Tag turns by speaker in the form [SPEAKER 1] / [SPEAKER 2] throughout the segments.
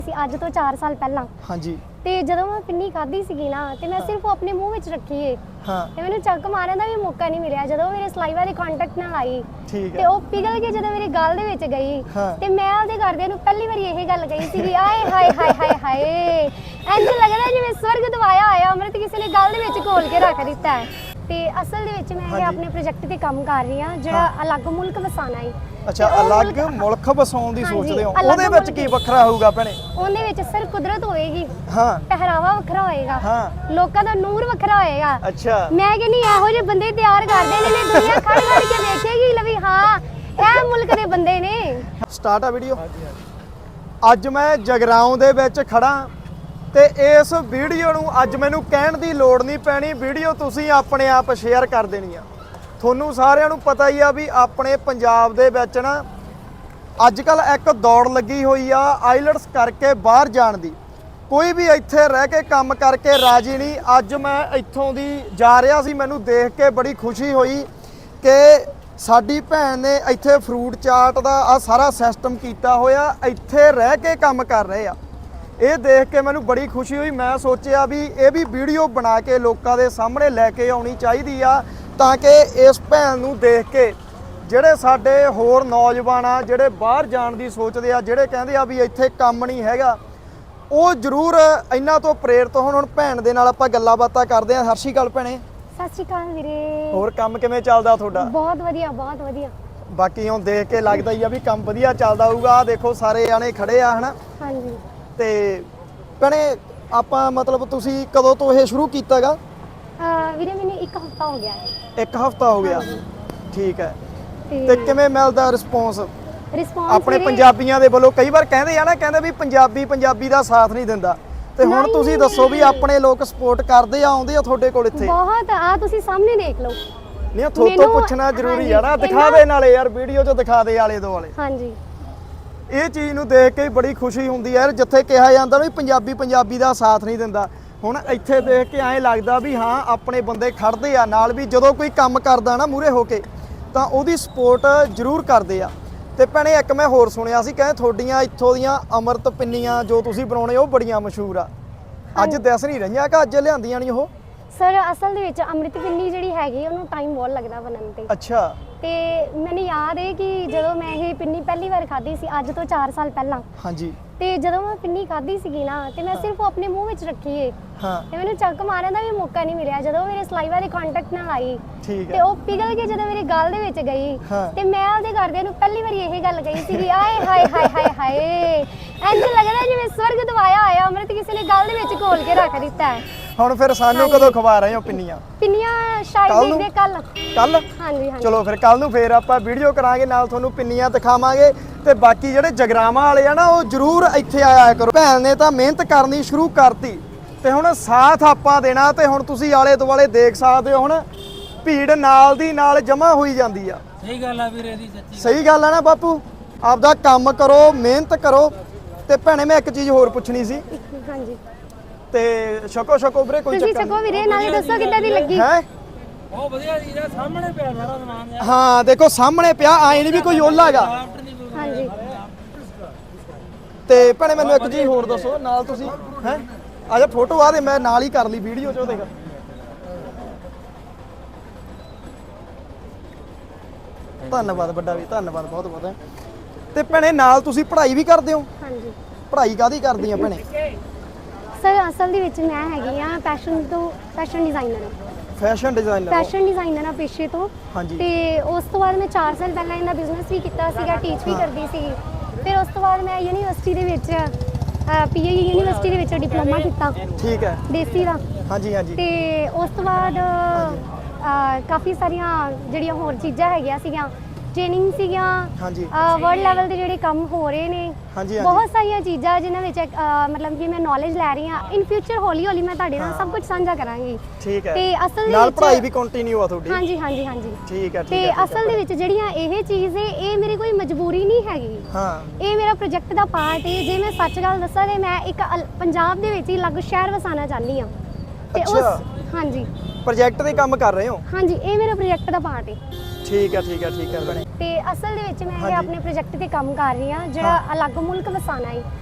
[SPEAKER 1] ਅੱਜ ਤੋਂ 4 ਸਾਲ ਪਹਿਲਾਂ
[SPEAKER 2] ਹਾਂਜੀ
[SPEAKER 1] ਤੇ ਜਦੋਂ ਮੈਂ ਪਿੰਨੀ ਖਾਧੀ ਸੀਗੀ ਨਾ ਤੇ ਮੈਂ ਸਿਰਫ ਆਪਣੇ ਮੂੰਹ ਵਿੱਚ ਰੱਖੀ ਏ
[SPEAKER 2] ਹਾਂ
[SPEAKER 1] ਤੇ ਮੈਨੂੰ ਚੱਕ ਮਾਰਨ ਦਾ ਵੀ ਮੌਕਾ ਨਹੀਂ ਮਿਲਿਆ। ਜਦੋਂ ਮੇਰੇ ਸਲਾਈਵਾ ਦੇ ਕੰਟੈਕਟ ਨਾਲ ਆਈ
[SPEAKER 2] ਠੀਕ
[SPEAKER 1] ਤੇ
[SPEAKER 2] ਹੈ
[SPEAKER 1] ਉਹ ਪਿਘਲ ਕੇ ਜਦੋਂ ਮੇਰੀ ਗਲ ਦੇ ਵਿੱਚ ਗਈ
[SPEAKER 2] ਹਾਂ।
[SPEAKER 1] ਤੇ ਮੈਂ ਉਹਦੇ ਘਰਦਿਆਂ ਨੂੰ ਪਹਿਲੀ ਵਾਰੀ ਇਹ ਗੱਲ ਕਹੀ ਸੀਗੀ, ਆਏ ਹਾਏ ਹਾਏ ਹਾਏ ਹਾਏ, ਇੰਜ ਲੱਗਦਾ ਜਿਵੇਂ ਸਵਰਗ ਦਵਾਇਆ ਆਇਆ ਅੰਮ੍ਰਿਤ ਕਿਸੇ ਨੇ ਗਲ ਦੇ ਵਿੱਚ ਘੋਲ ਕੇ ਰੱਖ ਦਿੱਤਾ ਹੈ। ਤੇ ਅਸਲ ਦੇ ਵਿੱਚ ਮੈਂ ਆਪਣੇ ਪ੍ਰੋਜੈਕਟ ਤੇ ਕੰਮ ਕਰ ਰਹੀ ਹਾਂ ਜਿਹੜਾ ਅਲੱਗ ਮੁਲਕ ਵਸਾਣਾ ਹੈ।
[SPEAKER 2] ਅੱਛਾ, ਅਲੱਗ ਮੁਲਕ ਵਸਾਉਣ ਦੀ
[SPEAKER 1] ਹਾਂਜੀ,
[SPEAKER 2] ਸੋਚਦੇ ਹੋ,
[SPEAKER 1] ਅਲੱਗ
[SPEAKER 2] ਉਹਦੇ ਵਿੱਚ
[SPEAKER 1] ਮੁਲਕ
[SPEAKER 2] ਕੀ ਵੱਖਰਾ ਹੋਊਗਾ ਭੈਣੇ?
[SPEAKER 1] ਉਹਦੇ ਵਿੱਚ ਸਿਰ ਕੁਦਰਤ ਹੋਏਗੀ,
[SPEAKER 2] ਹਾਂ
[SPEAKER 1] ਪਹਿਰਾਵਾ ਵੱਖਰਾ ਹੋਏਗਾ,
[SPEAKER 2] ਹਾਂ
[SPEAKER 1] ਲੋਕਾਂ ਦਾ ਨੂਰ ਵੱਖਰਾ ਹੋਏਗਾ।
[SPEAKER 2] ਅੱਛਾ
[SPEAKER 1] ਮੈਂ ਕਹਿੰਦੀ ਇਹੋ ਜਿਹੇ ਬੰਦੇ ਤਿਆਰ ਕਰਦੇ ਨੇ ਦੁਨੀਆ ਖੜ ਖੜ ਕੇ ਦੇਖੇਗੀ ਲਵੀ ਹਾਂ ਇਹ ਮੁਲਕ ਦੇ ਬੰਦੇ ਨੇ।
[SPEAKER 2] ਸਟਾਰਟ ਆ ਵੀਡੀਓ। ਅੱਜ ਮੈਂ ਜਗਰਾਉਂ ਦੇ ਵਿੱਚ ਖੜਾ ਤੇ ਇਸ ਵੀਡੀਓ ਨੂੰ ਅੱਜ ਮੈਨੂੰ ਕਹਿਣ ਦੀ ਲੋੜ ਨਹੀਂ ਪੈਣੀ, ਵੀਡੀਓ ਤੁਸੀਂ ਆਪਣੇ ਆਪ ਸ਼ੇਅਰ ਕਰ ਦੇਣੀ ਆ। ਤੁਹਾਨੂੰ ਸਾਰਿਆਂ ਨੂੰ ਪਤਾ ਹੀ ਆ ਵੀ ਆਪਣੇ ਪੰਜਾਬ ਦੇ ਵਿੱਚ ਨਾ ਅੱਜ ਕੱਲ ਇੱਕ ਦੌੜ ਲੱਗੀ ਹੋਈ ਆ ਆਈਲਟਸ ਕਰਕੇ ਬਾਹਰ ਜਾਣ ਦੀ। ਕੋਈ ਵੀ ਇੱਥੇ ਰਹਿ ਕੇ ਕੰਮ ਕਰਕੇ ਰਾਜੀ ਨਹੀਂ। ਅੱਜ ਮੈਂ ਇੱਥੋਂ ਦੀ ਜਾ ਰਿਹਾ ਸੀ, ਮੈਨੂੰ ਦੇਖ ਕੇ ਬੜੀ ਖੁਸ਼ੀ ਹੋਈ ਕਿ ਸਾਡੀ ਭੈਣ ਨੇ ਇੱਥੇ ਫਰੂਟ ਚਾਟ ਦਾ ਆ ਸਾਰਾ ਸਿਸਟਮ ਕੀਤਾ ਹੋਇਆ, ਇੱਥੇ ਰਹਿ ਕੇ ਕੰਮ ਕਰ ਰਹੇ ਆ। ਇਹ ਦੇਖ ਕੇ ਮੈਨੂੰ ਬੜੀ ਖੁਸ਼ੀ ਹੋਈ। ਮੈਂ ਸੋਚਿਆ ਵੀ ਇਹ ਵੀ ਵੀਡੀਓ ਬਣਾ ਕੇ ਲੋਕਾਂ ਦੇ ਸਾਹਮਣੇ ਲੈ ਕੇ ਆਉਣੀ ਚਾਹੀਦੀ ਆ ਤਾਂ ਕਿ ਇਸ ਭੈਣ ਨੂੰ ਦੇਖ ਕੇ ਜਿਹੜੇ ਸਾਡੇ ਹੋਰ ਨੌਜਵਾਨ ਆ ਜਿਹੜੇ ਬਾਹਰ ਜਾਣ ਦੀ ਸੋਚਦੇ ਆ, ਜਿਹੜੇ ਕਹਿੰਦੇ ਆ ਵੀ ਇੱਥੇ ਕੰਮ ਨਹੀਂ ਹੈਗਾ, ਉਹ ਜ਼ਰੂਰ ਇਹਨਾਂ ਤੋਂ ਪ੍ਰੇਰਿਤ ਹੋਣ। ਹੁਣ ਭੈਣ ਦੇ ਨਾਲ ਆਪਾਂ ਗੱਲਾਂ ਬਾਤਾਂ ਕਰਦੇ ਆ। ਸਤਿ ਸ਼੍ਰੀ ਅਕਾਲ ਭੈਣੇ।
[SPEAKER 1] ਸਤਿ ਸ਼੍ਰੀ ਅਕਾਲ ਵੀਰੇ।
[SPEAKER 2] ਹੋਰ ਕੰਮ ਕਿਵੇਂ ਚੱਲਦਾ ਤੁਹਾਡਾ?
[SPEAKER 1] ਬਹੁਤ ਵਧੀਆ ਬਹੁਤ ਵਧੀਆ।
[SPEAKER 2] ਬਾਕੀ ਹੁਣ ਦੇਖ ਕੇ ਲੱਗਦਾ ਹੀ ਆ ਵੀ ਕੰਮ ਵਧੀਆ ਚੱਲਦਾ ਹੋਊਗਾ। ਆ ਦੇਖੋ ਸਾਰੇ ਜਾਣੇ ਖੜੇ ਆ ਹਨਾ।
[SPEAKER 1] ਹਾਂਜੀ।
[SPEAKER 2] ਤੇ ਭੈਣੇ ਆਪਾਂ ਮਤਲਬ ਤੁਸੀਂ ਕਦੋਂ ਤੋਂ ਇਹ ਸ਼ੁਰੂ ਕੀਤਾਗਾ?
[SPEAKER 1] ਵੀਰੇ ਮੈਨੂੰ 1 ਹਫ਼ਤਾ ਹੋ ਗਿਆ ਹੈ।
[SPEAKER 2] 1 ਹਫ਼ਤਾ ਹੋ ਗਿਆ। ਠੀਕ ਹੈ। ਤੇ ਕਿਵੇਂ ਮਿਲਦਾ ਰਿਸਪੌਂਸ ਆਪਣੇ ਪੰਜਾਬੀਆਂ ਦੇ ਵੱਲੋਂ? ਕਈ ਵਾਰ ਕਹਿੰਦੇ ਆ ਨਾ, ਕਹਿੰਦੇ ਵੀ ਪੰਜਾਬੀ ਦਾ ਸਾਥ ਨਹੀਂ ਦਿੰਦਾ, ਤੇ ਹੁਣ ਤੁਸੀਂ ਦੱਸੋ ਵੀ ਆਪਣੇ ਲੋਕ ਸਪੋਰਟ ਕਰਦੇ ਆ, ਆਉਂਦੇ ਆ ਤੁਹਾਡੇ ਕੋਲ ਇੱਥੇ?
[SPEAKER 1] ਬਹੁਤ ਆ, ਤੁਸੀਂ ਸਾਹਮਣੇ ਦੇਖ ਲਓ।
[SPEAKER 2] ਨਹੀਂ ਤੁਹਾਡੇ ਤੋਂ ਪੁੱਛਣਾ ਜ਼ਰੂਰੀ ਆ ਨਾ, ਦਿਖਾ ਦੇ ਨਾਲੇ ਯਾਰ, ਵੀਡੀਓ 'ਚ ਦਿਖਾ ਦੇ ਆਲੇ ਦੁਆਲੇ।
[SPEAKER 1] ਹਾਂਜੀ।
[SPEAKER 2] ਇਹ ਚੀਜ਼ ਨੂੰ ਦੇਖ ਕੇ ਬੜੀ ਖੁਸ਼ੀ ਹੁੰਦੀ ਹੈ ਜਿੱਥੇ ਕਿਹਾ ਜਾਂਦਾ ਵੀ ਪੰਜਾਬੀ ਦਾ ਸਾਥ ਨਹੀਂ ਦਿੰਦਾ। ਹੁਣ ਇੱਥੇ ਦੇਖ ਕੇ ਐਂ ਲੱਗਦਾ ਵੀ ਹਾਂ ਆਪਣੇ ਬੰਦੇ ਖੜਦੇ ਆ ਨਾਲ, ਵੀ ਜਦੋਂ ਕੋਈ ਕੰਮ ਕਰਦਾ ਨਾ ਮੂਹਰੇ ਹੋ ਕੇ ਤਾਂ ਉਹਦੀ ਸਪੋਰਟ ਜ਼ਰੂਰ ਕਰਦੇ ਆ। ਤੇ ਭੈਣੇ ਇੱਕ ਮੈਂ ਹੋਰ ਸੁਣਿਆ ਸੀ, ਕਹਿੰਦੇ ਤੁਹਾਡੀਆਂ ਇੱਥੋਂ ਦੀਆਂ ਅੰਮ੍ਰਿਤ ਪਿੰਨੀਆਂ ਜੋ ਤੁਸੀਂ ਬਣਾਉਣੇ ਉਹ ਬੜੀਆਂ ਮਸ਼ਹੂਰ ਆ। ਅੱਜ ਦਿਸ ਨਹੀਂ ਰਹੀਆਂ ਕਿ ਅੱਜ ਲਿਆਂਦੀਆਂ ਨਹੀਂ ਉਹ?
[SPEAKER 1] ਸਰ ਅਸਲ ਦੇ ਵਿੱਚ ਅੰਮ੍ਰਿਤ ਪਿੰਨੀ ਜਿਹੜੀ ਹੈਗੀ ਉਹਨੂੰ ਟਾਈਮ ਬਹੁਤ ਲੱਗਦਾ ਬਣਨ ਤੇ।
[SPEAKER 2] ਅੱਛਾ।
[SPEAKER 1] ਤੇ ਮੈਨੂੰ ਯਾਦ ਹੈ ਕਿ ਜਦੋਂ ਮੈਂ ਇਹ ਪਿੰਨੀ ਪਹਿਲੀ ਵਾਰ ਖਾਧੀ ਸੀ ਅੱਜ ਤੋਂ 4 ਸਾਲ ਪਹਿਲਾਂ।
[SPEAKER 2] ਹਾਂਜੀ।
[SPEAKER 1] ਤੇ ਜਦੋਂ ਮੈਂ ਪਿੰਨੀ ਖਾਧੀ ਸੀਗੀ ਨਾ ਤੇ ਮੈਂ ਸਿਰਫ ਆਪਣੇ ਮੂੰਹ ਵਿੱਚ ਰੱਖੀ ਏ
[SPEAKER 2] ਹਾਂ।
[SPEAKER 1] ਤੇ ਮੈਨੂੰ ਚੱਕ ਮਾਰਨ ਦਾ ਵੀ ਮੌਕਾ ਨਹੀਂ ਮਿਲਿਆ। ਜਦੋਂ ਮੇਰੇ ਸਲਾਈਵਾ ਦੇ ਕੰਟੈਕਟ ਨਾਲ ਆਈ
[SPEAKER 2] ਠੀਕ
[SPEAKER 1] ਤੇ
[SPEAKER 2] ਹੈ
[SPEAKER 1] ਉਹ ਪਿਘਲ ਕੇ ਜਦੋਂ ਮੇਰੀ ਗਲ ਦੇ ਵਿੱਚ ਗਈ ਤੇ ਮੈਂ ਉਹਦੇ ਘਰਦਿਆਂ ਨੂੰ ਪਹਿਲੀ ਵਾਰੀ ਇਹ ਗੱਲ ਕਹੀ ਸੀਗੀ, ਆਏ ਹਾਏ ਹਾਏ ਹਾਏ ਹਾਏ, ਇੰਜ ਲੱਗਦਾ ਜਿਵੇਂ ਸਵਰਗ ਦਵਾਇਆ ਆਇਆ ਅੰਮ੍ਰਿਤ ਕਿਸੇ ਨੇ ਗਲ ਦੇ ਵਿੱਚ ਘੋਲ ਕੇ ਰੱਖ ਦਿੱਤਾ ਹੈ।
[SPEAKER 2] ਹੁਣ ਫਿਰ ਸਾਨੂੰ ਕਦੋਂ ਖਵਾ ਰਹੇ ਹੋ ਪਿੰਨੀਆਂ?
[SPEAKER 1] ਪਿੰਨੀਆਂ ਸ਼ਾਇਦ ਦੇਖਦੇ ਕੱਲ। ਹਾਂਜੀ ਹਾਂਜੀ।
[SPEAKER 2] ਚਲੋ ਫਿਰ ਕੱਲ ਨੂੰ ਫੇਰ ਆਪਾਂ ਵੀਡੀਓ ਕਰਾਂਗੇ, ਨਾਲ ਤੁਹਾਨੂੰ ਪਿੰਨੀਆਂ ਦਿਖਾਵਾਂਗੇ। ਤੇ ਬਾਕੀ ਜਿਹੜੇ ਜਗਰਾਵਾਂ ਵਾਲੇ ਆ ਨਾ ਉਹ ਜ਼ਰੂਰ ਇੱਥੇ ਆਇਆ ਕਰੋ। ਭੈਣ ਨੇ ਤਾਂ ਮਿਹਨਤ ਕਰਨੀ ਸ਼ੁਰੂ ਕਰਤੀ ਤੇ ਹੁਣ ਸਾਥ ਆਪਾਂ ਦੇਣਾ। ਤੇ ਹੁਣ ਤੁਸੀਂ ਆਲੇ ਦੁਆਲੇ ਦੇਖ ਸਕਦੇ ਹੋ, ਹੁਣ ਭੀੜ ਨਾਲ ਦੀ ਨਾਲ ਜਮਾ ਹੋਈ ਜਾਂਦੀ ਆ।
[SPEAKER 3] ਸਹੀ ਗੱਲ ਆ ਵੀਰੇ ਦੀ, ਸੱਚੀ
[SPEAKER 2] ਸਹੀ ਗੱਲ ਆ ਨਾ ਬਾਪੂ? ਆਪਦਾ ਕੰਮ ਕਰੋ, ਮਿਹਨਤ ਕਰੋ। ਤੇ ਭੈਣੇ ਮੈਂ ਇੱਕ ਚੀਜ਼ ਹੋਰ ਪੁੱਛਣੀ ਸੀ।
[SPEAKER 1] ਹਾਂਜੀ।
[SPEAKER 2] ਤੇ ਛਕੋ ਵੀਰੇ, ਕੋਈ
[SPEAKER 1] ਤੁਸੀਂ
[SPEAKER 2] ਚੱਕਰ
[SPEAKER 1] ਛਕੋ ਵੀਰੇ, ਨਾਲੇ ਦੱਸੋ ਕਿੱਦਾਂ ਦੀ ਲੱਗੀ?
[SPEAKER 2] ਹੈ
[SPEAKER 3] ਬਹੁਤ ਵਧੀਆ ਜੀ, ਇਹਦਾ ਸਾਹਮਣੇ ਪਿਆ ਸਾਰਾ ਸਮਾਨ ਯਾਰ।
[SPEAKER 2] ਹਾਂ ਦੇਖੋ ਸਾਹਮਣੇ ਪਿਆ, ਆਏ ਨਹੀਂ ਵੀ ਕੋਈ ਓਲਾ ਹੈਗਾ।
[SPEAKER 1] ਹਾਂਜੀ।
[SPEAKER 2] ਤੇ ਭੈਣੇ ਮੈਨੂੰ ਇੱਕ ਚੀਜ਼ ਹੋਰ ਦੱਸੋ, ਨਾਲ ਤੁਸੀਂ ਹੈ ਆ ਜਾ ਫੋਟੋ ਆ ਦੇ, ਮੈਂ ਨਾਲ ਹੀ ਕਰ ਲਈ ਵੀਡੀਓ 'ਚ। ਉਹ ਦੇਖ ਧੰਨਵਾਦ ਵੱਡਾ ਵੀ, ਧੰਨਵਾਦ ਬਹੁਤ ਬਹੁਤ। ਤੇ ਭੈਣੇ ਨਾਲ ਤੁਸੀਂ ਪੜ੍ਹਾਈ ਵੀ ਕਰਦੇ ਹੋ?
[SPEAKER 1] ਹਾਂਜੀ।
[SPEAKER 2] ਪੜ੍ਹਾਈ ਕਾਹਦੀ ਕਰਦੀ ਆ ਭੈਣੇ?
[SPEAKER 1] ਸਰ ਅਸਲ ਦੇ ਵਿੱਚ ਮੈਂ ਹੈਗੀ ਆ fashion designer.
[SPEAKER 2] Fashion designer.
[SPEAKER 1] Fashion designer ਆ ਪੇਸ਼ੇ ਤੋਂ।
[SPEAKER 2] ਹਾਂਜੀ।
[SPEAKER 1] ਤੇ ਉਸ ਤੋਂ ਬਾਅਦ ਮੈਂ 4 ਸਾਲ ਪਹਿਲਾਂ ਇਹਦਾ ਬਿਜ਼ਨਸ ਵੀ ਕੀਤਾ ਸੀਗਾ, ਟੀਚ ਵੀ ਕਰਦੀ ਸੀ। ਫਿਰ ਉਸ ਤੋਂ ਬਾਅਦ ਮੈਂ ਯੂਨੀਵਰਸਿਟੀ ਦੇ ਵਿੱਚ ਪੀਏ ਯੂਨੀਵਰਸਿਟੀ ਦੇ ਵਿੱਚ ਡਿਪਲੋਮਾ ਕੀਤਾ।
[SPEAKER 2] ਠੀਕ ਹੈ।
[SPEAKER 1] ਦੇਸੀ ਦਾ।
[SPEAKER 2] ਹਾਂਜੀ ਹਾਂਜੀ।
[SPEAKER 1] ਤੇ ਉਸ ਤੋਂ ਬਾਅਦ ਕਾਫੀ ਸਾਰੀਆਂ ਜਿਹੜੀਆਂ ਹੋਰ ਚੀਜ਼ਾਂ ਹੈਗੀਆਂ ਸੀਗੀਆਂ, ਟ੍ਰੇਨਿੰਗ ਸੀਗੀਆਂ।
[SPEAKER 2] ਹਾਂਜੀ।
[SPEAKER 1] ਵਰਲਡ ਲੈਵਲ ਤੇ ਜਿਹੜੇ ਕੰਮ ਹੋ ਰਹੇ ਨੇ,
[SPEAKER 2] ਹਾਂਜੀ
[SPEAKER 1] ਬਹੁਤ ਸਾਰੀਆਂ ਚੀਜ਼ਾਂ ਜਿਨ੍ਹਾਂ ਵਿੱਚ ਮਤਲਬ ਕਿ ਮੈਂ ਨੌਲੇਜ ਲੈ ਰਹੀ ਹਾਂ। ਇਨ ਫਿਊਚਰ ਹੌਲੀ ਹੌਲੀ ਮੈਂ ਤੁਹਾਡੇ ਨਾਲ ਸਭ ਕੁਝ ਸਾਂਝਾ ਕਰਾਂਗੀ।
[SPEAKER 2] ਠੀਕ ਹੈ।
[SPEAKER 1] ਤੇ ਅਸਲ ਦੇ
[SPEAKER 2] ਨਾਲ
[SPEAKER 1] ਵਿੱਚ
[SPEAKER 2] ਪੜ੍ਹਾਈ ਵੀ ਕੰਟੀਨਿਊ ਆ ਤੁਹਾਡੀ?
[SPEAKER 1] ਹਾਂਜੀ ਹਾਂਜੀ ਹਾਂਜੀ।
[SPEAKER 2] ਠੀਕ ਹੈ।
[SPEAKER 1] ਤੇ ਅਸਲ ਦੇ ਵਿੱਚ ਜਿਹੜੀਆਂ ਇਹ ਚੀਜ਼ ਹੈ ਇਹ ਮੇਰੀ ਕੋਈ ਮਜਬੂਰੀ ਨਹੀਂ ਹੈਗੀ।
[SPEAKER 2] ਹਾਂ।
[SPEAKER 1] ਇਹ ਮੇਰਾ ਪ੍ਰੋਜੈਕਟ ਦਾ ਪਾਰਟ ਹੈ। ਜੇ ਮੈਂ ਸੱਚ ਗੱਲ ਦੱਸਾਂ ਤੇ ਮੈਂ ਇੱਕ ਪੰਜਾਬ ਦੇ ਵਿੱਚ ਹੀ ਅਲੱਗ ਸ਼ਹਿਰ ਵਸਾਉਣਾ ਚਾਹੁੰਦੀ ਹਾਂ। ਤੇ ਉਸ ਹਾਂਜੀ
[SPEAKER 2] ਪ੍ਰੋਜੈਕਟ ਦੇ ਕੰਮ ਕਰ ਰਹੇ ਹੋ?
[SPEAKER 1] ਹਾਂਜੀ, ਇਹ ਮੇਰਾ ਪ੍ਰੋਜੈਕਟ ਦਾ ਪਾਰਟ ਹੈ।
[SPEAKER 2] ਠੀਕ ਹੈ ਭੈਣੇ।
[SPEAKER 1] ਤੇ ਅਸਲ ਦੇ ਵਿੱਚ ਮੈਂ ਆਪਣੇ ਪ੍ਰੋਜੈਕਟ ਤੇ ਕੰਮ ਕਰ ਰਹੀ ਹਾਂ ਜਿਹੜਾ ਅਲੱਗ ਮੁਲਕ ਵਸਾਣਾ ਹੈ।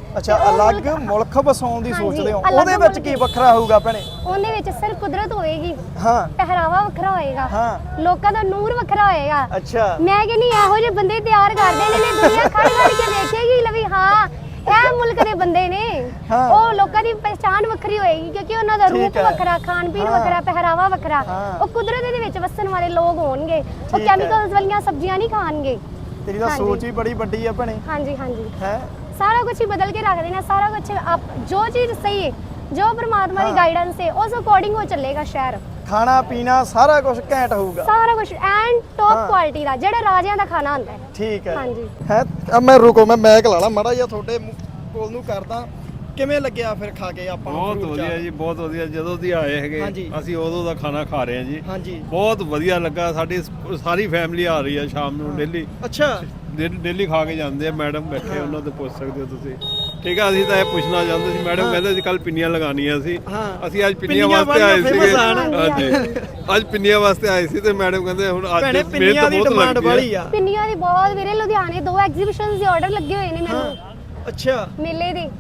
[SPEAKER 2] ਅੱਛਾ, ਅਲੱਗ ਮੁਲਕ ਵਸਾਉਣ ਦੀ
[SPEAKER 1] ਹਾਂਜੀ,
[SPEAKER 2] ਸੋਚਦੇ ਹੋ,
[SPEAKER 1] ਅਲੱਗ
[SPEAKER 2] ਉਹਦੇ ਵਿੱਚ
[SPEAKER 1] ਮੁਲਕ।
[SPEAKER 2] ਕੀ ਵੱਖਰਾ ਹੋਊਗਾ ਭੈਣੇ?
[SPEAKER 1] ਉਹਦੇ ਵਿੱਚ ਸਿਰ ਕੁਦਰਤ ਹੋਏਗੀ,
[SPEAKER 2] ਹਾਂ
[SPEAKER 1] ਪਹਿਰਾਵਾ ਵੱਖਰਾ ਹੋਏਗਾ,
[SPEAKER 2] ਹਾਂ
[SPEAKER 1] ਲੋਕਾਂ ਦਾ ਨੂਰ ਵੱਖਰਾ ਹੋਏਗਾ।
[SPEAKER 2] ਅੱਛਾ
[SPEAKER 1] ਮੈਂ ਕਹਿੰਦੀ ਇਹੋ ਜਿਹੇ ਬੰਦੇ ਤਿਆਰ ਕਰਦੇ ਨੇ ਦੁਨੀਆ ਖੜ ਖੜ ਕੇ ਦੇਖੇਗੀ ਲਵੀ ਹਾਂ ਇਹ ਮੁਲਕ ਦੇ ਬੰਦੇ ਨੇ।
[SPEAKER 2] ਹਾਂ।
[SPEAKER 1] ਉਹ ਲੋਕਾਂ ਦੀ ਪਹਿਚਾਣ ਵੱਖਰੀ ਹੋਏਗੀ ਕਿਉਂਕਿ ਉਹਨਾਂ ਦਾ
[SPEAKER 2] ਠੀਕ
[SPEAKER 1] ਰੂਪ
[SPEAKER 2] ਹੈ।
[SPEAKER 1] ਵੱਖਰਾ, ਖਾਣ ਪੀਣ
[SPEAKER 2] ਹਾਂ।
[SPEAKER 1] ਵੱਖਰਾ, ਪਹਿਰਾਵਾ ਵੱਖਰਾ।
[SPEAKER 2] ਹਾਂ।
[SPEAKER 1] ਉਹ ਕੁਦਰਤ ਦੇ ਵਿੱਚ ਵਸਣ ਵਾਲੇ ਲੋਕ ਹੋਣਗੇ, ਉਹ
[SPEAKER 2] ਠੀਕ ਹੈ।
[SPEAKER 1] ਕੈਮੀਕਲਸ ਵਾਲੀਆਂ ਸਬਜ਼ੀਆਂ ਨਹੀਂ ਖਾਣਗੇ।
[SPEAKER 2] ਤੇਰੀ ਤਾਂ
[SPEAKER 1] ਹਾਂਜੀ।
[SPEAKER 2] ਸੋਚ ਹੀ ਬੜੀ ਵੱਡੀ ਆ ਭੈਣੇ।
[SPEAKER 1] ਹਾਂਜੀ ਹਾਂਜੀ,
[SPEAKER 2] ਹੈ
[SPEAKER 1] ਸਾਰਾ ਕੁਝ ਹੀ ਬਦਲ ਕੇ ਰੱਖ ਦੇਣਾ, ਸਾਰਾ ਕੁਝ ਜੋ ਚੀਜ਼ ਸਹੀ ਹੈ, ਜੋ ਪਰਮਾਤਮਾ ਦੀ
[SPEAKER 2] ਹਾਂ।
[SPEAKER 1] ਗਾਈਡੈਂਸ ਹੈ ਉਸ ਅਕੋਰਡਿੰਗ ਉਹ ਚੱਲੇਗਾ ਸ਼ਹਿਰ।
[SPEAKER 2] ਖਾਣਾ ਪੀਣਾ ਸਾਰਾ ਕੁਝ ਘੈਂਟ ਹੋਊਗਾ।
[SPEAKER 1] ਸਾਰਾ ਕੁਝ ਐਂਡ ਟੌਪ
[SPEAKER 2] ਹਾਂ।
[SPEAKER 1] ਕੁਆਲਿਟੀ ਦਾ, ਜਿਹੜਾ ਰਾਜਿਆਂ ਦਾ ਖਾਣਾ ਹੁੰਦਾ ਹੈ।
[SPEAKER 2] ਠੀਕ ਹੈ
[SPEAKER 1] ਹਾਂਜੀ।
[SPEAKER 2] ਹੈ ਮੈਂ ਰੁਕੋ, ਮੈਂ ਮੈਕ ਲਾ ਲਾ ਮਾੜਾ ਜਿਹਾ ਤੁਹਾਡੇ ਕੋਲ ਨੂੰ ਕਰਦਾ। ਕਿਵੇਂ ਲੱਗਿਆ ਫਿਰ ਖਾ ਕੇ ਆਪਾਂ ਨੂੰ
[SPEAKER 4] ਬਹੁਤ
[SPEAKER 2] fruit
[SPEAKER 4] ਵਧੀਆ
[SPEAKER 2] ਚਾਟ?
[SPEAKER 4] ਜੀ, ਬਹੁਤ ਵਧੀਆ। ਜਦੋਂ ਦੀ ਆਏ ਹੈਗੇ
[SPEAKER 2] ਹਾਂਜੀ।
[SPEAKER 4] ਅਸੀਂ ਉਦੋਂ ਦਾ ਖਾਣਾ ਖਾ ਰਹੇ ਹਾਂ ਜੀ।
[SPEAKER 2] ਹਾਂਜੀ
[SPEAKER 4] ਬਹੁਤ ਵਧੀਆ ਲੱਗਾ। ਸਾਡੀ ਸਾਰੀ ਫੈਮਿਲੀ ਆ ਰਹੀ ਹੈ ਸ਼ਾਮ ਨੂੰ ਡੇਲੀ
[SPEAKER 2] ਅੱਛਾ
[SPEAKER 4] ਡੇਲੀ ਖਾ ਕੇ ਜਾਂਦੇ ਆ। ਮੈਡਮ ਬੈਠੇ ਉਹਨਾਂ ਤੋਂ ਪੁੱਛ ਸਕਦੇ ਹੋ ਤੁਸੀਂ। ਠੀਕ ਆ, ਅਸੀਂ ਤਾਂ ਇਹ ਪੁੱਛਣਾ ਚਾਹੁੰਦੇ ਸੀ। ਮੈਡਮ ਕਹਿੰਦੇ ਸੀ ਕੱਲ ਪਿੰਨੀਆਂ ਲਗਾਉਣੀਆਂ ਸੀ।
[SPEAKER 2] ਹਾਂ।
[SPEAKER 4] ਅਸੀਂ ਅੱਜ ਪਿੰਨੀਆਂ
[SPEAKER 2] ਪਿੰਨੀਆਂ
[SPEAKER 4] ਵਾਸਤੇ ਆਏ
[SPEAKER 2] ਵਾਲੀਆਂ
[SPEAKER 4] ਸੀਗੇ।
[SPEAKER 2] famous ਆ ਨਾ।
[SPEAKER 4] ਹਾਂਜੀ, ਅੱਜ ਪਿੰਨੀਆਂ ਵਾਸਤੇ ਆਏ ਸੀ ਤੇ ਮੈਡਮ ਕਹਿੰਦੇ ਹੁਣ ਅੱਜ
[SPEAKER 2] ਭੈਣੇ ਪਿੰਨੀਆਂ
[SPEAKER 4] ਮਿਹਨਤ
[SPEAKER 2] ਦੀ
[SPEAKER 4] ਬਹੁਤ
[SPEAKER 2] ਡਿਮਾਂਡ
[SPEAKER 4] ਲੱਗਦੀ
[SPEAKER 2] ਵਾਲੀ
[SPEAKER 4] ਹੈ।
[SPEAKER 2] ਆ।
[SPEAKER 1] ਪਿੰਨੀਆਂ ਦੀ ਬਹੁਤ ਵੀਰੇ, ਲੁਧਿਆਣੇ 2 ਐਗਜ਼ੀਬਿਸ਼ਨਸ ਦੇ ਆਰਡਰ ਲੱਗੇ ਹੋਏ ਨੇ
[SPEAKER 2] ਹਾਂ
[SPEAKER 1] ਮੈਨੂੰ
[SPEAKER 2] ਅੱਛਾ।
[SPEAKER 1] ਮੇਲੇ ਦੇ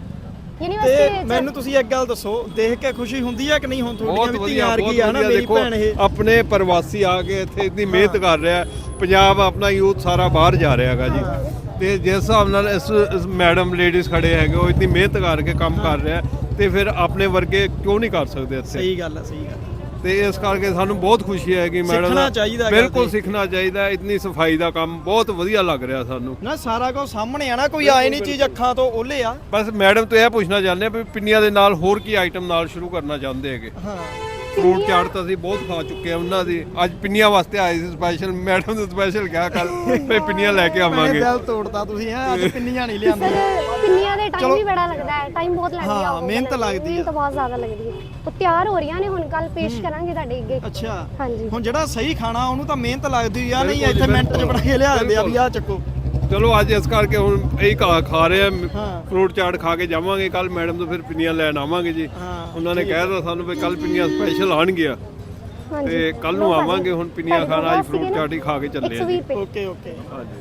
[SPEAKER 2] ਤੇ
[SPEAKER 1] ਯੂਨੀਵਰਸਿਟੀ ਵਿੱਚ।
[SPEAKER 2] ਮੈਨੂੰ ਤੁਸੀਂ ਇੱਕ ਗੱਲ ਦੱਸੋ, ਦੇਖ ਕੇ ਖੁਸ਼ੀ ਹੁੰਦੀ ਆ ਕਿ ਨਹੀਂ? ਹੁਣ ਤੁਹਾਡੀਆਂ
[SPEAKER 4] ਬਹੁਤ
[SPEAKER 2] ਵੀ
[SPEAKER 4] ਵਧੀਆ,
[SPEAKER 2] ਧੀਆਂ
[SPEAKER 4] ਬਹੁਤ
[SPEAKER 2] ਵਰਗੀ ਆ ਨਾ
[SPEAKER 4] ਵਧੀਆ।
[SPEAKER 2] ਮੇਰੀ
[SPEAKER 4] ਦੇਖੋ
[SPEAKER 2] ਭੈਣ ਇਹ।
[SPEAKER 4] ਆਪਣੇ ਪ੍ਰਵਾਸੀ ਆ ਕੇ ਇੱਥੇ ਇਤਨੀ ਮਿਹਨਤ ਕਰ ਰਿਹਾ। ਪੰਜਾਬ ਆਪਣਾ ਯੂਥ ਸਾਰਾ ਬਾਹਰ ਜਾ ਰਿਹਾ ਹੈਗਾ ਜੀ। ਤੇ ਜਿਸ ਹਿਸਾਬ ਨਾਲ ਇਸ ਮੈਡਮ ਲੇਡੀਜ਼ ਖੜੇ ਹੈਗੇ, ਉਹ ਇਤਨੀ ਮਿਹਨਤ ਕਰਕੇ ਕੰਮ ਕਰ ਰਿਹਾ, ਤੇ ਫਿਰ ਆਪਣੇ ਵਰਗੇ ਕਿਉਂ ਨਹੀਂ ਕਰ ਸਕਦੇ ਇੱਥੇ?
[SPEAKER 2] ਸਹੀ ਗੱਲ ਆ, ਸਹੀ ਗੱਲ।
[SPEAKER 4] ਤੇ ਇਸ ਕਰਕੇ ਸਾਨੂੰ ਬਹੁਤ ਖੁਸ਼ੀ ਹੈ ਕਿ ਮੈਡਮ
[SPEAKER 2] ਸਿੱਖਣਾ ਚਾਹੀਦਾ ਹੈਗਾ
[SPEAKER 4] ਬਿਲਕੁਲ
[SPEAKER 2] ਜੀ।
[SPEAKER 4] ਸਿੱਖਣਾ ਚਾਹੀਦਾ। ਇਤਨੀ ਸਫਾਈ ਦਾ ਕੰਮ ਬਹੁਤ ਵਧੀਆ ਲੱਗ ਰਿਹਾ ਸਾਨੂੰ।
[SPEAKER 2] ਨਾ ਸਾਰਾ ਕੁਝ ਸਾਹਮਣੇ ਆ ਨਾ, ਕੋਈ ਆਏ ਨਹੀਂ ਚੀਜ਼ ਅੱਖਾਂ ਤੋਂ ਓਲੇ ਆ।
[SPEAKER 4] ਬਸ ਮੈਡਮ ਤੋਂ ਇਹ ਪੁੱਛਣਾ ਚਾਹੁੰਦੇ ਆ ਵੀ ਪਿੰਨੀਆਂ ਦੇ ਨਾਲ ਹੋਰ ਕੀ ਆਈਟਮ ਨਾਲ ਸ਼ੁਰੂ ਕਰਨਾ ਚਾਹੁੰਦੇ ਹੈਗੇ?
[SPEAKER 2] ਹਾਂ
[SPEAKER 4] ਫਰੂਟ ਚਾਟ ਤਾਂ ਅਸੀਂ ਬਹੁਤ ਖਾ ਚੁੱਕੇ ਆ ਉਹਨਾਂ ਦੀ। ਅੱਜ ਪਿੰਨੀਆਂ ਵਾਸਤੇ ਆਏ ਸੀ ਸਪੈਸ਼ਲ। ਮੈਡਮ ਨੂੰ ਸਪੈਸ਼ਲ ਕਿਹਾ ਕੱਲ ਵੀ ਪਿੰਨੀਆਂ ਲੈ ਕੇ
[SPEAKER 2] ਮੈਂ
[SPEAKER 4] ਆਵਾਂਗੇ।
[SPEAKER 2] ਦਿਲ ਤੋੜਤਾ ਤੁਸੀਂ ਹੈ। ਅੱਜ ਪਿੰਨੀਆਂ ਨਹੀਂ
[SPEAKER 1] ਸਰ
[SPEAKER 2] ਲਿਆਂਦੀਆਂ।
[SPEAKER 1] ਪਿੰਨੀਆਂ ਦੇ ਟਾਈਮ
[SPEAKER 2] ਚਲੋ।
[SPEAKER 1] ਵੀ ਬੜਾ ਲੱਗਦਾ ਹੈ, ਟਾਈਮ ਬਹੁਤ ਲੱਗਦੀ
[SPEAKER 2] ਹਾਂ,
[SPEAKER 1] ਆ।
[SPEAKER 2] ਮਿਹਨਤ ਲੱਗਦੀ
[SPEAKER 1] ਮਿਹਨਤ ਬਹੁਤ ਜ਼ਿਆਦਾ ਲੱਗਦੀ ਹੈ। ਉਹ ਤਿਆਰ ਹੋ ਰਹੀਆਂ ਨੇ, ਹੁਣ ਕੱਲ ਪੇਸ਼ ਕਰਾਂਗੇ ਤੁਹਾਡੇ ਅੱਗੇ।
[SPEAKER 2] ਅੱਛਾ
[SPEAKER 1] ਹਾਂਜੀ।
[SPEAKER 2] ਹੁਣ ਜਿਹੜਾ ਸਹੀ ਖਾਣਾ ਉਹਨੂੰ ਤਾਂ ਮਿਹਨਤ ਲੱਗਦੀ ਆ। ਨਹੀਂ
[SPEAKER 4] ਬਿਲਕੁਲ
[SPEAKER 2] ਇੱਥੇ
[SPEAKER 4] ਜੀ,
[SPEAKER 2] ਮਿੰਟ 'ਚ ਬਣਾ ਕੇ ਲਿਆ ਦਿੰਦੇ ਆ ਵੀ ਆਹ ਚੱਕੋ।
[SPEAKER 4] ਚਲੋ ਅੱਜ ਇਸ ਕਰਕੇ ਹੁਣ ਇਹ ਖਾ ਰਹੇ ਆ।
[SPEAKER 2] ਹਾਂ।
[SPEAKER 4] ਫਰੂਟ ਚਾਟ ਖਾ ਕੇ ਜਾਵਾਂਗੇ। ਕੱਲ ਮੈਡਮ ਤੋਂ ਫਿਰ ਪਿੰਨੀਆਂ ਲੈਣ ਆਵਾਂਗੇ ਜੀ।
[SPEAKER 2] ਹਾਂ,
[SPEAKER 4] ਉਹਨਾਂ ਨੇ ਕਹਿ ਦਿੱਤਾ ਸਾਨੂੰ ਵੀ ਕੱਲ ਪਿੰਨੀਆਂ ਸਪੈਸ਼ਲ ਆਣਗੀਆਂ
[SPEAKER 1] ਹਾਂਜੀ।
[SPEAKER 4] ਤੇ ਕੱਲ ਨੂੰ ਆਵਾਂਗੇ। ਹੁਣ ਪਿੰਨੀਆਂ ਖਾਣਾ, ਅੱਜ ਫਰੂਟ ਚਾਟ ਹੀ ਖਾ ਕੇ ਚੱਲੇ ਆ
[SPEAKER 1] 120
[SPEAKER 4] ਜੀ।
[SPEAKER 1] ਰੁਪਏ।
[SPEAKER 2] Okay okay.
[SPEAKER 4] ਹਾਂਜੀ।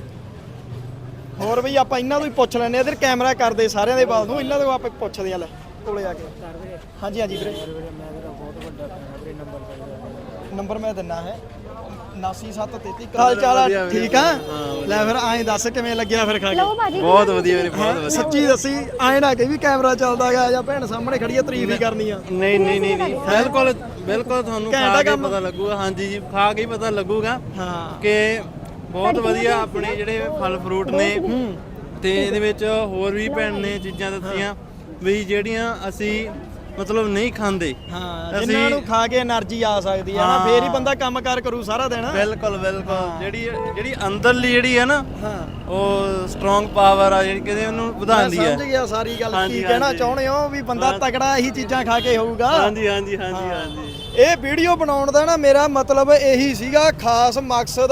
[SPEAKER 2] ਹੋਰ ਬਈ ਆਪਾਂ ਇਹਨਾਂ ਤੋਂ ਹੀ ਪੁੱਛ ਲੈਣੇ ਆ। ਇਧਰ ਕੈਮਰਾ ਕਰਦੇ ਸਾਰਿਆਂ ਦੇ ਵੱਲ ਨੂੰ, ਇਹਨਾਂ ਤੋਂ ਆਪਾਂ ਪੁੱਛਦੇ ਆ। ਲੈ ਕੋਲੇ ਆ ਕੇ। ਹਾਂਜੀ ਹਾਂਜੀ ਵੀਰੇ। ਨੰਬਰ ਮੈਂ ਦਿੰਨਾ ਹੈ 99733। ਹਾਲ ਚਾਲ ਆ? ਠੀਕ ਆ। ਲੈ ਫਿਰ ਐਂ ਦੱਸ ਕਿਵੇਂ ਲੱਗਿਆ ਫਿਰ ਖਾ ਕੇ?
[SPEAKER 1] ਲਓ ਭਾਜੀ।
[SPEAKER 5] ਬਹੁਤ ਵਧੀਆ ਵੀਰੇ, ਬਹੁਤ ਵਧੀਆ।
[SPEAKER 2] ਸੱਚੀ ਦੱਸੀ, ਐਂ ਨਾ ਕਿ ਵੀ ਕੈਮਰਾ ਚੱਲਦਾ ਗਿਆ ਜਾਂ ਭੈਣ ਸਾਹਮਣੇ ਖੜੀ ਆ ਤਾਰੀਫ ਹੀ ਕਰਨੀ ਆ।
[SPEAKER 5] ਨਹੀਂ ਨਹੀਂ ਨਹੀਂ ਨਹੀਂ, ਬਿਲਕੁਲ ਬਿਲਕੁਲ ਤੁਹਾਨੂੰ
[SPEAKER 2] ਘੈਂਟ ਆ
[SPEAKER 5] ਖਾ ਕੇ
[SPEAKER 2] ਕੰਮ।
[SPEAKER 5] ਪਤਾ ਲੱਗੂਗਾ। ਹਾਂਜੀ ਜੀ, ਖਾ ਕੇ ਹੀ ਪਤਾ ਲੱਗੂਗਾ
[SPEAKER 2] ਹਾਂ
[SPEAKER 5] ਕਿ ਬਹੁਤ ਵਧੀਆ ਆਪਣੇ ਜਿਹੜੇ ਫਲ ਫਰੂਟ ਨੇ। ਤੇ ਇਹਦੇ ਵਿੱਚ ਹੋਰ ਵੀ ਭੈਣ ਨੇ ਚੀਜ਼ਾਂ ਦੱਸੀਆਂ ਵੀ ਜਿਹੜੀਆਂ ਅਸੀਂ ਮਤਲਬ ਨਹੀਂ ਖਾਂਦੇ।
[SPEAKER 2] ਹਾਂ, ਜਿਨ੍ਹਾਂ ਨੂੰ ਖਾ ਕੇ એનર્ਜੀ ਆ ਸਕਦੀ ਆ ਨਾ, ਫੇਰ ਹੀ ਬੰਦਾ ਕੰਮਕਾਰ ਕਰੂ ਸਾਰਾ ਦਿਨ।
[SPEAKER 5] ਬਿਲਕੁਲ ਬਿਲਕੁਲ। ਜਿਹੜੀ ਅੰਦਰਲੀ ਜਿਹੜੀ ਹੈ ਨਾ,
[SPEAKER 2] ਹਾਂ
[SPEAKER 5] ਉਹ ਸਟਰੋਂਗ ਪਾਵਰ ਆ ਜਿਹੜੀ ਕਿਤੇ ਉਹਨੂੰ ਵਧਾਉਂਦੀ
[SPEAKER 2] ਮੈਂ
[SPEAKER 5] ਹੈ।
[SPEAKER 2] ਸਮਝ ਗਿਆ ਸਾਰੀ ਗੱਲ।
[SPEAKER 5] ਹਾਂਜੀ,
[SPEAKER 2] ਕੀ ਕਹਿਣਾ
[SPEAKER 5] ਹਾਂਜੀ।
[SPEAKER 2] ਚਾਹੁੰਦੇ ਹੋ ਵੀ ਬੰਦਾ ਤਗੜਾ ਇਹੀ ਚੀਜ਼ਾਂ ਖਾ ਕੇ ਹੋਊਗਾ।
[SPEAKER 5] ਹਾਂਜੀ ਹਾਂਜੀ ਹਾਂਜੀ ਹਾਂਜੀ।
[SPEAKER 2] ਇਹ ਵੀਡੀਓ ਬਣਾਉਣ ਦਾ ਨਾ ਮੇਰਾ ਮਤਲਬ ਇਹੀ ਸੀਗਾ, ਖਾਸ ਮਕਸਦ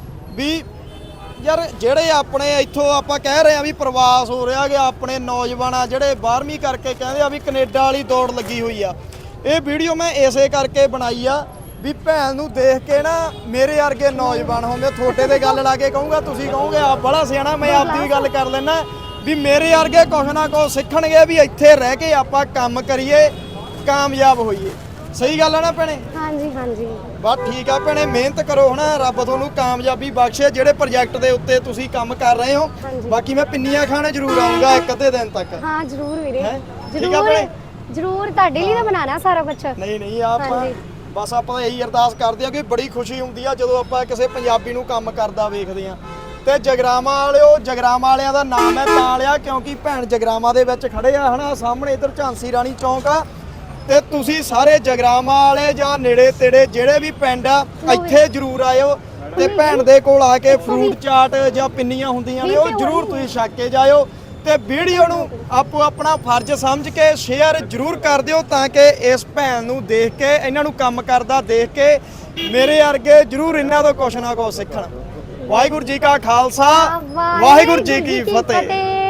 [SPEAKER 2] ਵੀ ਯਾਰ ਜਿਹੜੇ ਆਪਣੇ ਇੱਥੋਂ ਆਪਾਂ ਕਹਿ ਰਹੇ ਆ ਵੀ ਪ੍ਰਵਾਸ ਹੋ ਰਿਹਾ ਕਿ ਆਪਣੇ ਨੌਜਵਾਨ ਆ ਜਿਹੜੇ 12ਵੀਂ ਕਰਕੇ ਕਹਿੰਦੇ ਆ ਵੀ ਕੈਨੇਡਾ ਵਾਲੀ ਦੌੜ ਲੱਗੀ ਹੋਈ ਆ। ਇਹ ਵੀਡੀਓ ਮੈਂ ਇਸੇ ਕਰਕੇ ਬਣਾਈ ਆ ਵੀ ਭੈਣ ਨੂੰ ਦੇਖ ਕੇ ਨਾ ਮੇਰੇ ਵਰਗੇ ਨੌਜਵਾਨ ਹੋਣਗੇ, ਤੁਹਾਡੇ ਤੇ ਗੱਲ ਲਾ ਕੇ ਕਹੂੰਗਾ, ਤੁਸੀਂ ਕਹੋਗੇ ਆਪ ਬੜਾ ਸਿਆਣਾ, ਮੈਂ ਆਪਦੀ ਵੀ ਗੱਲ ਕਰ ਲੈਣਾ ਵੀ ਮੇਰੇ ਵਰਗੇ ਕੁਛ ਨਾ ਕੁਛ ਸਿੱਖਣਗੇ ਵੀ ਇੱਥੇ ਰਹਿ ਕੇ ਆਪਾਂ ਕੰਮ ਕਰੀਏ, ਕਾਮਯਾਬ ਹੋਈਏ। ਸਹੀ ਗੱਲ ਆ ਨਾ ਭੈਣੇ?
[SPEAKER 1] ਹਾਂਜੀ ਹਾਂਜੀ।
[SPEAKER 2] ਬਸ ਠੀਕ ਆ ਭੈਣੇ, ਮਿਹਨਤ ਕਰੋ ਹਨਾ, ਰੱਬ ਤੁਹਾਨੂੰ ਕਾਮਯਾਬੀ ਬਖਸ਼ੇ ਜਿਹੜੇ ਪ੍ਰੋਜੈਕਟ ਦੇ ਉੱਤੇ ਤੁਸੀਂ ਕੰਮ ਕਰ ਰਹੇ ਹੋ।
[SPEAKER 1] ਹਾਂਜੀ।
[SPEAKER 2] ਬਾਕੀ ਮੈਂ ਪਿੰਨੀਆਂ ਖਾਣੇ ਜ਼ਰੂਰ ਆਉਂਗਾ ਇੱਕ ਅੱਧੇ ਦਿਨ ਤੱਕ।
[SPEAKER 1] ਹਾਂ ਜ਼ਰੂਰ ਵੀਰੇ,
[SPEAKER 2] ਹੈਂ? ਠੀਕ ਆ
[SPEAKER 1] ਜ਼ਰੂਰ
[SPEAKER 2] ਭੈਣੇ?
[SPEAKER 1] ਜ਼ਰੂਰ ਤੁਹਾਡੇ ਲਈ ਤਾਂ ਬਣਾਣਾ ਸਾਰਾ ਕੁਝ।
[SPEAKER 2] ਨਹੀਂ ਨਹੀਂ, ਆਪਾਂ
[SPEAKER 1] ਹਾਂਜੀ।
[SPEAKER 2] ਬਸ ਆਪਾਂ ਇਹੀ ਅਰਦਾਸ ਕਰਦੇ ਆ ਕਿ ਬੜੀ ਖੁਸ਼ੀ ਹੁੰਦੀ ਆ ਜਦੋਂ ਆਪਾਂ ਕਿਸੇ ਪੰਜਾਬੀ ਨੂੰ ਕੰਮ ਕਰਦਾ ਵੇਖਦੇ ਆ। ਤੇ ਜਗਰਾਵਾਂ ਵਾਲਿਓ, ਜਗਰਾਵਾਂ ਵਾਲਿਆਂ ਦਾ ਨਾਮ ਹੈ ਤਾਂ ਲਿਆ ਕਿਉਂਕਿ ਭੈਣ ਜਗਰਾਵਾਂ ਦੇ ਵਿੱਚ ਖੜੇ ਆ ਹਨਾ। ਸਾਹਮਣੇ ਇੱਧਰ ਝਾਂਸੀ ਰਾਣੀ ਚੌਂਕ ਆ। ਤੇ ਤੁਸੀਂ ਸਾਰੇ ਜਗਰਾਵਾਂ ਵਾਲੇ ਜਾਂ ਨੇੜੇ ਤੇੜੇ ਜਿਹੜੇ ਵੀ ਪਿੰਡ ਆ ਇੱਥੇ ਜ਼ਰੂਰ ਆਇਓ ਤੇ ਭੈਣ ਦੇ ਕੋਲ ਆ ਕੇ ਫਰੂਟ ਚਾਟ ਜਾਂ ਪਿੰਨੀਆਂ ਹੁੰਦੀਆਂ ਨੇ ਉਹ ਜ਼ਰੂਰ ਤੁਸੀਂ ਛਕ ਕੇ ਜਾਇਓ। ਤੇ ਵੀਡੀਓ ਨੂੰ ਆਪੋ ਆਪਣਾ ਫਰਜ਼ ਸਮਝ ਕੇ ਸ਼ੇਅਰ ਜ਼ਰੂਰ ਕਰ ਦਿਓ ਤਾਂ ਕਿ ਇਸ ਭੈਣ ਨੂੰ ਦੇਖ ਕੇ, ਇਹਨਾਂ ਨੂੰ ਕੰਮ ਕਰਦਾ ਦੇਖ ਕੇ ਮੇਰੇ ਵਰਗੇ ਜ਼ਰੂਰ ਇਹਨਾਂ ਤੋਂ ਕੁਛ ਨਾ ਕੁਛ ਸਿੱਖਣ। ਵਾਹਿਗੁਰੂ ਜੀ ਕਾ ਖਾਲਸਾ, ਵਾਹਿਗੁਰੂ ਜੀ ਕੀ ਫਤਿਹ।